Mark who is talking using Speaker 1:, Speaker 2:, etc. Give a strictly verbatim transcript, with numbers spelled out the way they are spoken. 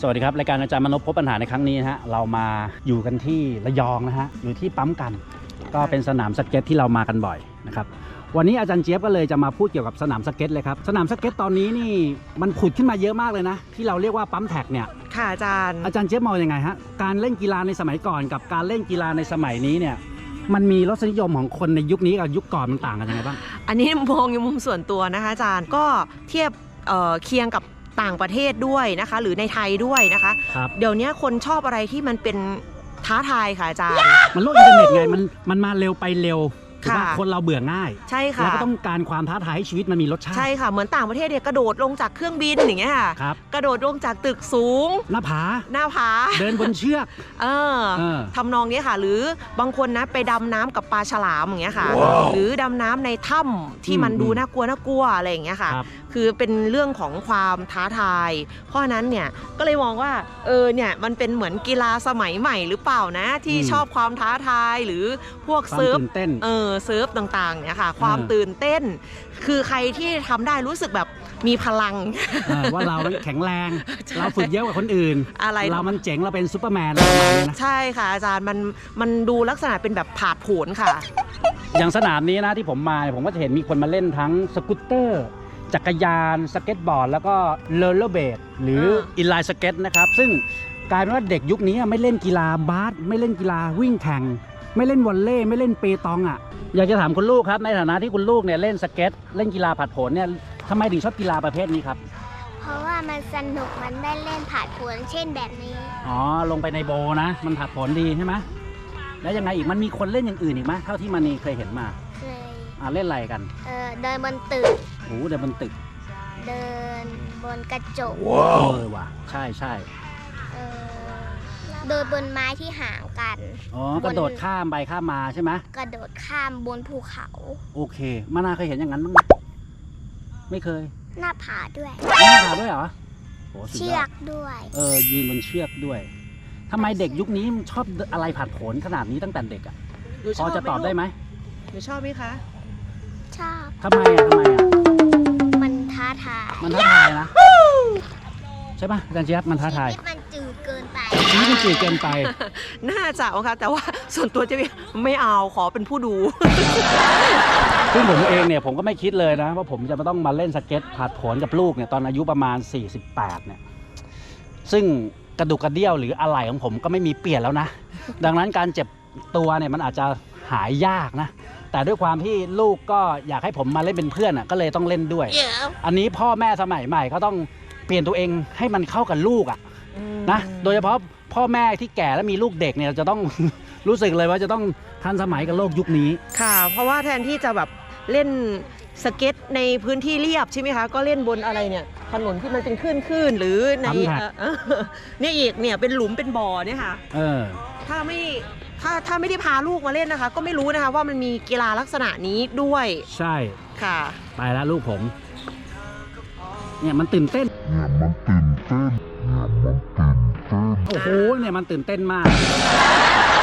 Speaker 1: สวัสดีครับรายการอาจารย์มนพพบปัญหาในครั้งนี้นะฮะเรามาอยู่กันที่ระยองนะฮะอยู่ที่ปั๊มกันก็เป็นสนามสเก็ตที่เรามากันบ่อยนะครับวันนี้อาจารย์เจี๊ยบก็เลยจะมาพูดเกี่ยวกับสนามสเก็ตเลยครับสนามสเก็ตตอนนี้นี่มันผุดขึ้นมาเยอะมากเลยนะที่เราเรียกว่าปั๊มแท็กเนี่ย
Speaker 2: ค่ะอาจารย์
Speaker 1: อาจารย์เจี๊ยบมองยังไงฮะการเล่นกีฬาในสมัยก่อนกับการเล่นกีฬาในสมัยนี้เนี่ยมันมีรสนิยมของคนในยุคนี้กับยุคก่อนมันต่างกันยังไงบ้าง
Speaker 2: อันนี้มองในมุมส่วนตัวนะคะอาจารย์ก็เทียบเอ่อเคียงกับต่างประเทศด้วยนะคะหรือในไทยด้วยนะคะเดี๋ยวนี้คนชอบอะไรที่มันเป็นท้าทายค่ะอาจารย์
Speaker 1: มันโลกอินเทอร์เน็ตไงมันมันมาเร็วไปเร็วคนเราเบื่อง่าย
Speaker 2: ใช่ค่ะ
Speaker 1: แล้วก็ต้องการความท้าทายให้ชีวิตมันมีรสชาติ
Speaker 2: ใช่ค่ะเหมือนต่างประเทศเนี่ยกระโดดลงจากเครื่องบินอย่างเงี้ยค่ะกระโดดลงจากตึกสูง
Speaker 1: หน้าผา
Speaker 2: หน้าผา
Speaker 1: เดินบนเชือก
Speaker 2: เออทำนองนี้ค่ะหรือบางคนนะไปดำน้ำกับปลาฉลามอย่างเงี้ยค่ะหรือดำน้ำในถ้ำที่มันดูน่ากลัวน่ากลัวอะไรอย่างเงี้ยค่ะคือเป็นเรื่องของความท้าทายเพราะนั้นเนี่ยก็เลยมองว่าเออเนี่ยมันเป็นเหมือนกีฬาสมัยใหม่หรือเปล่านะที่ชอบความท้าทายหรือพวกเซิร์ฟเออเซิร์ฟต่างๆเนี่ยค่ะความตื่นเต้นคือใครที่ทำได้รู้สึกแบบมีพลัง
Speaker 1: ว่าเราแข็งแรงเราฝึกเยอะกว่าคนอื่นอะไรเรามันเจ๋งเราเป็นซูเปอร์แมนอะไรประมาณนี้นะ
Speaker 2: ใช่ค่ะอาจารย์มันมันดูลักษณะเป็นแบบผาดโผนค่ะ
Speaker 1: อย่างสนามนี้นะที่ผมมาผมก็จะเห็นมีคนมาเล่นทั้งสกูตเตอร์จักรยานสเก็ตบอร์ดแล้วก็โรลเลอร์เบลดหรืออินไลน์สเก็ตนะครับซึ่งกลายเป็นว่าเด็กยุคนี้ไม่เล่นกีฬาบาสไม่เล่นกีฬาวิ่งแข่งไม่เล่นวอลเลย์ไม่เล่นเปตองอ่ะอยากจะถามคุณลูกครับในฐานะที่คุณลูกเนี่ยเล่นสเก็ตเล่นกีฬาผาดโผนเนี่ยทำไมถึงชอบกีฬาประเภทนี้ครับ
Speaker 3: เพราะว่ามันสนุกมันได้เล่นผาดโผนเช่นแบบนี้
Speaker 1: อ๋อลงไปในโบนะมันผาดโผนดีใช่ไหมแล้วยังไงอีกมันมีคนเล่นอย่างอื่นอีกไหมเท่าที่มันเคยเห็นมา
Speaker 3: เคย
Speaker 1: อ่าเล่นอะไรกัน
Speaker 3: เออเดินบนตึก
Speaker 1: โอ้เดินบนตึก
Speaker 3: เดินบนกระจก
Speaker 1: ว้าวเออว่ะใช่ใช่
Speaker 3: เออเดินบนไม้ที่ห่างกัน
Speaker 1: อ๋อกระโดดข้ามไปข้ามมาใช่ไหม
Speaker 3: กระโดดข้ามบนภูเขา
Speaker 1: โอเคมานาเคยเห็นอย่างนั้นบ้างไหมไม่เคย
Speaker 3: หน้าผาด้วย
Speaker 1: หน้าผาด้วยเหรอ
Speaker 3: เชือกด้วย
Speaker 1: เออยืนบนเชือกด้วยทำไมเด็กยุคนี้ชอบอะไรผาดโผนขนาดนี้ตั้งแต่เด็กอ่ะพอจะตอบได้ไหม
Speaker 2: หนูชอบไหมคะ
Speaker 3: ชอบ
Speaker 1: ทำไมอ่ะทำไมอ่ะ
Speaker 3: มันท้าทาย
Speaker 1: มันท้าทายนะใช่ป่ะอาจารย์เจี๊ยบมันท้าทาย
Speaker 3: ชีวิตมันจืดเกินไป
Speaker 1: ชีวิตมันจืดเกินไป
Speaker 2: น่าจะค่ะแต่ว่าส่วนตัวจะไม่เอาขอเป็นผู้ดู
Speaker 1: ซึ่งผมเองเนี่ยผมก็ไม่คิดเลยนะว่าผมจะต้องมาเล่นสเก็ตผาดโผนกับลูกเนี่ยตอนอายุประมาณสี่สิบแปดเนี่ยซึ่งกระดูกกระเดี่ยวหรืออะไหล่ของผมก็ไม่มีเปลี่ยนแล้วนะดังนั้นการเจ็บตัวเนี่ยมันอาจจะหายยากนะแต่ด้วยความที่ลูกก็อยากให้ผมมาเล่นเป็นเพื่อนอ่ะก็เลยต้องเล่นด้วย yeah. อันนี้พ่อแม่สมัยใหม่ก็ต้องเปลี่ยนตัวเองให้มันเข้ากับลูกอ่ะนะโดยเฉพาะพ่อแม่ที่แก่แล้วมีลูกเด็กเนี่ยจะต้อง รู้สึกเลยว่าจะต้องทันสมัยกับโลกยุคนี้
Speaker 2: ค่ะเพราะว่าแทนที่จะแบบเล่นสเก็ตในพื้นที่เรียบใช่ไหมคะก็เล่นบนอะไรเนี่ยถนนที่มันเป็นคลื่นๆหรือในเนี่ยอีกเนี่ยเป็นหลุมเป็นบ่อเนี่ยค่ะ
Speaker 1: เออ
Speaker 2: ถ้าไม่ถ้าถ้าไม่ได้พาลูกมาเล่นนะคะก็ไม่รู้นะคะว่ามันมีกีฬาลักษณะนี้ด้วย
Speaker 1: ใช่
Speaker 2: ค่ะ
Speaker 1: ไปแล้วลูกผมเนี่ยมันตื่นเต้นเนี่ยมันตื่นเต้นเนี่ยมันตื่นเต้นโอ้โหเนี่ยมันตื่นเต้นมาก